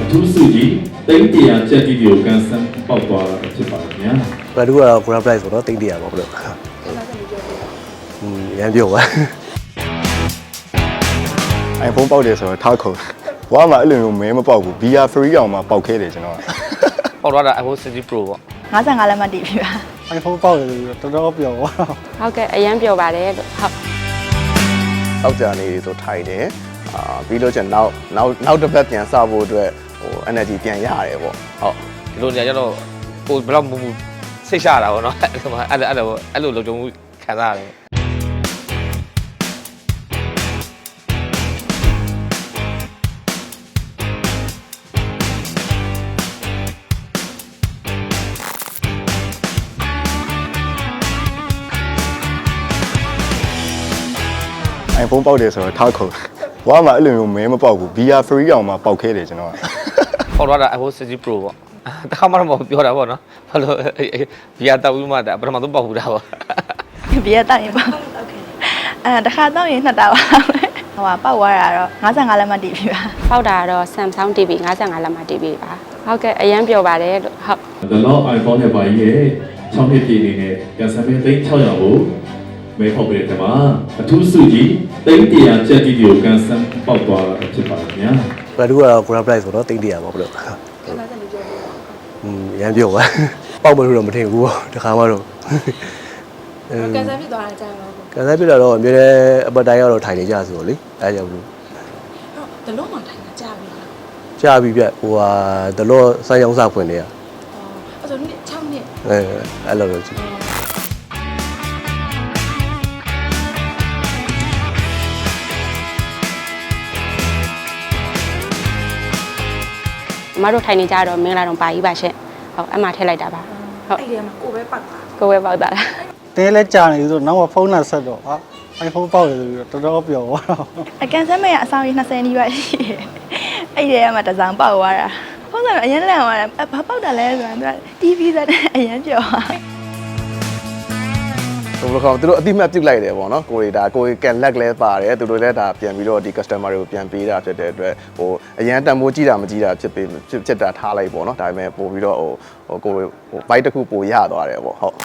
ထူးစုကြီးတိတ်တရားချက်တီကိုကန်ဆန်းပေါက်သွားတာဖြစ်ပါတယ်ခင်ဗျာဘယ်သူကတော့ grab price ဆိုတော့တိတ်တရပါဘလို့ရမ်းပြောပါ iPhone ပေါက်တယ်ဆိုတော့ထားခုံဝါမှာအဲ့လိုမျိုးမဲမပေါက်ဘူး VR free အောင်မှာပေါက်ခဲတယ်ကျွန်တော်ကပေါက်သွားတာ iPhone 16 Pro ပေါ့ 55လက်မှတ်တည်ပြီပါ iPhone ပေါက်တယ်တော်တော်ပျော်သွားတော့ဟုတ်ကဲ့အရန်ပျော်ပါတယ်လို့ဟုတ်တောက်ကြနေဆိုထိုင်တယ်ပြီးလို့ကျန်နောက်တစ်ပတ်ပြန်စဖို့အတွက်ဟို energy ပြန်ရတယ်ပေါ့ဟုတ်ဒီလိုနေရာကျတော့ကိုဘယ်တော့မူစိတ်ရှတာပေါ့နော်အဲ့လိုလုံခြုံမှုခံစားရတယ် iPhone ပေါက်တယ်ဆိုတော့ထားခုံဝါမှာအဲ့လိုမျိုးမဲမပေါက်ဘူး VR free အောင်မှာပေါက်ခဲတယ်ကျွန်တော်ကပေါက်သွားတာ iPhone 16 Pro ပေါ့တခါမှတော့မပြောတာပေါ့နော်ဘာလို့ VR တောက်ပြီးမှပထမဆုံးပေါက်ဘူးတာပေါ့ဘီရတောက်ရင်ပေါ့တခါတောက်ရင်နှစ်တာပါဟိုပေါက်သွားတာတော့55လက်မှတ်တည်ပြီပါပေါက်တာတော့ Samsung TV 55လက်မှတ်တည်ပြီပါဟုတ်ကဲ့အရန်ပျော်ပါတယ်လို့ဟုတ် The Law iPhone နဲ့ပါကြီးရဲ့6နှစ်ပြည့်နေနဲ့ကန်ဆန်းမဲသိန်း600ကိုမဲဖောက်ပေးတဲ့မှာအထူးစုကြီးတိတ်တရားချက်တီကိုကန်ဆန်းပေါက်သွားတာဖြစ်ပါတယ်ခင်ဗျာဘယ်သူကတော့ grab price ဆိုတော့တိတ်တရပါဘလို့ရမ်းပြောပါပေါက်မလို့တော့မထင်ဘူးတခါမှတော့ကန်ဆယ်ဖြစ်သွားတာကြာပါဘူးကန်ဆယ်ပြလာတော့အမြဲတမ်းအပတ်တိုင်းကတော့ထိုင်နေကြဆိုတော့လေအဲကြောင့်လို့ဟုတ်တလုံးမှထိုင်တာကြာပြီလားကြာပြီပြဟိုဟာဒလော့ဆိုင်အောင်စားဖွင့်နေရအဲ့ဆို6နှစ်အဲ့လိုလို့ကြည့်မတို့ထိုင်နေကြတော့မင်္ဂလာတော့ပါကြီးပါရှင့်ဟုတ်အမှထည့်လိုက်တာပါဟုတ်အဲ့ဒီမှာကိုပဲပေါက်တာကိုပဲပေါက်တာလားတင်းလဲကြာနေဆိုတော့နောက်မှဖုန်းနဲ့ဆက်တော့ဟာ iPhone ပေါက်တယ်ဆိုတော့တော်တော်ပျော်သွားတော့အကန်ဆယ်မဲ့အဆောင်ကြီး20နီးပါးရှိတယ်အဲ့ဒီကမှတစ်စောင်ပေါက်သွားတာဖုန်းကတော့အရင်လန့်သွားတာဘာပေါက်တာလဲဆိုတာသူက TV စတဲ့အရင်ပြောသွားဘယ်လိုခေါ်သူတို့အတိမတ်ပြုတ်လိုက်တယ်ပေါ့နော်ကိုရီဒါကိုရီကန်လက်လဲပါတယ်သူတို့လည်းဒါပြန်ပြီးတော့ဒီ customer တွေကိုပြန်ပေးတာဖြစ်တဲ့အတွက်ဟိုအရန်တန်ဖိုးကြည့်တာမကြည့်တာဖြစ်တာထားလိုက်ပေါ့နော်ဒါပေမဲ့ပို့ပြီးတော့ဟိုကိုရီဟိုဘိုက်တစ်ခုပို့ရသွားတယ်ပေါ့ဟုတ်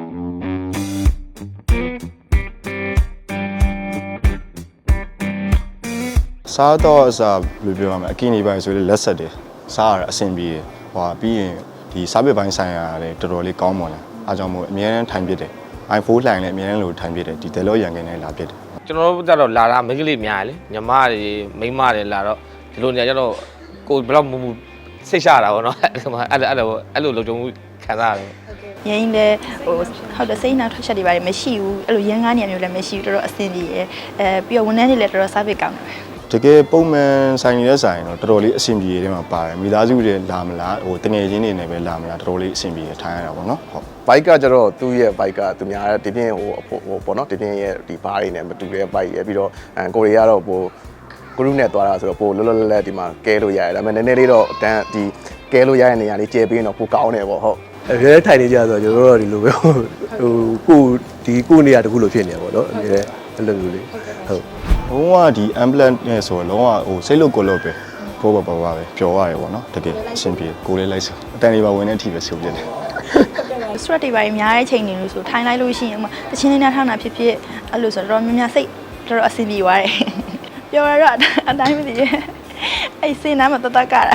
စားတော့အစားဘယ်လိုပြောရမလဲအကင်းနေပိုင်းဆိုလေလက်ဆက်တယ်စားရတာအဆင်ပြေတယ်ဟိုပြီးရင်ဒီစားပစ်ပိုင်းဆိုင်ရာလည်းတော်တော်လေးကောင်းပါလားအားကြောင့်မို့အများအားထိုင်ပြတယ်iPhone လှိုင်လည်းအများအားလို့ထိုင်ပြတယ်ဒီတယ်လို့ရန်ကနေလာပြတယ်ကျွန်တော်တို့ကြတော့လာတာမိန်းကလေးများလေညီမတွေမိန်းမတွေလာတော့ဒီလိုနေရာကျတော့ကိုဘယ်တော့မူစိတ်ရှတာပေါ့နော်အဲ့လိုလုံခြုံမှုခံစားရတယ်ရင်းလည်းဟိုဟုတ်တယ်စိတ်နှောက်ထွက်ချက်တွေပါတယ်မရှိဘူးအဲ့လိုရင်းကားနေရာမျိုးလည်းမရှိဘူးတော်တော်အဆင်ပြေရယ်ပြီးတော့ဝန်ထမ်းတွေလည်းတော်တော် service ကောင်းတယ်တကယ်ပုံမှန်ဆိုင်နေတဲ့ဆိုင်တော့တော်တော်လေးအဆင်ပြေတဲ့မှာပါတယ်မိသားစုတွေလာမလားဟိုတငယ်ချင်းတွေနဲ့ပဲလာမလားတော်တော်လေးအဆင်ပြေထိုင်ရတာပေါ့နော်ဟုတ်ဘိုက်ကကျတော့သူ့ရဲ့ဘိုက်ကသူများဒီပြင်းဟိုပေါ့နော်ဒီပြင်းရဲ့ဒီဘားတွေနဲ့မတူတဲ့ဘိုက်ရပြီးတော့ကိုရီးယားတော့ဟို group နဲ့သွားတာဆိုတော့ပိုလောလောလတ်လတ်ဒီမှာကဲလို့ရတယ်ဒါပေမဲ့နည်းနည်းလေးတော့တန်းဒီကဲလို့ရတဲ့နေရာလေးကျဲပြီးတော့ပိုကောင်းတယ်ပေါ့ဟုတ်အမြဲထိုင်နေကြဆိုတော့ကျွန်တော်တို့ဒီလိုပဲဟိုကိုနေရာတခုလိုဖြစ်နေရပါတော့အမြဲအဲ့လိုမျိုးလေးဟုတ်လုံးဝဒီ ambulance နဲ့ဆိုတော့လုံးဝဟိုစိတ်လို့ကိုလို့ပဲဘောပါပါပဲပျော်ရတယ်ပေါ့နော်တကယ်အဆင်ပြေကိုလေးလိုက်ဆိုအတန်လေးပါဝင်တဲ့အထိပဲဆိုပြတယ် stress တွေပိုင်းများတဲ့ချိန်တွေလို့ဆိုထိုင်လိုက်လို့ရှိရင်တချင်းလေးနဲ့ထားတာဖြစ်ဖြစ်အဲ့လိုဆိုတော့များများစိတ်တော်တော်အဆင်ပြေသွားတယ်ပြောရတော့အတိုင်းမသိရဲ့အဲ့စင်းနားမှာတတကတာ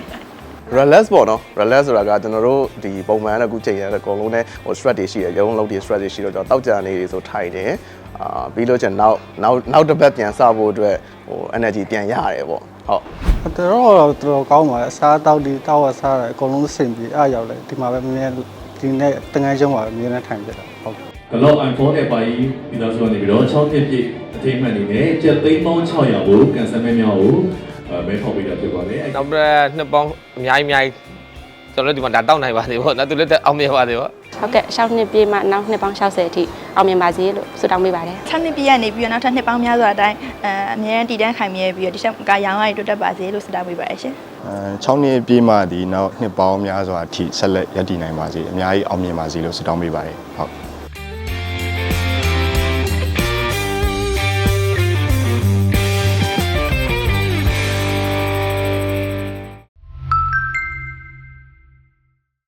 relax ပေါ့နော် relax ဆိုတာကကျွန်တော်တို့ဒီပုံမှန်ကအခုချိန်ရတဲ့အကုန်လုံးနဲ့ဟို stress တွေရှိတယ်ရုံးလုံးတွေ stress တွေရှိတော့ကျွန်တော်တောက်ကြနေတွေဆိုထိုင်တယ်ပြီးလို့ကျန်နောက်တစ်ပတ်ပြန်စဖို့အတွက်ဟို energy ပြန်ရတယ်ပေါ့ဟုတ်တော်တော်ကောင်းပါတယ်အစားတောက်ဒီတောက်ရစားတယ်အကုန်လုံးအဆင်ပြေအားရောက်တယ်ဒီမှာပဲမြဲဒီနေ့တငယ်ချင်းပါပဲမြဲနဲ့ထိုင်ပြတာဟုတ် The Law iPhone နဲ့ပါကြီးမိသားစုကနေပြီးတော့6နှစ်ပြည့်အထိမ်းအမှတ်အနေနဲ့ကျပ်သိန်းပေါင်း600ကိုကန်ဆယ်မဲများကိုမဲဖောက်ပေးတာဖြစ်ပါတယ်။နောက်ပြီးနှစ်ပေါင်းအများကြီးကျွန်တော်တို့ဒီမှာဒါတောက်နိုင်ပါသေးပေါ့နော်သူလည်းအောင်မြင်ပါသေးပေါ့ဟုတ်ကဲ့6နှစ်ပြည့်မှနောက်နှစ်ပေါင်း60အထိအောင်မြင်ပါစေလို့ဆုတောင်းပေးပါတယ်6နှစ်ပြည့်ရနေပြီးတော့နောက်ထပ်နှစ်ပေါင်းများစွာအတိုင်းအမြဲတည်တံ့ခိုင်မြဲပြီးတော့ဒီချက်ကရောင်းရည်တိုးတက်ပါစေလို့ဆုတောင်းပေးပါတယ်ရှင် 6နှစ်ပြည့်မှဒီနောက်နှစ်ပေါင်းများစွာအထိဆက်လက်ရည်တည်နိုင်ပါစေအများကြီးအောင်မြင်ပါစေလို့ဆုတောင်းပေးပါတယ်ဟုတ်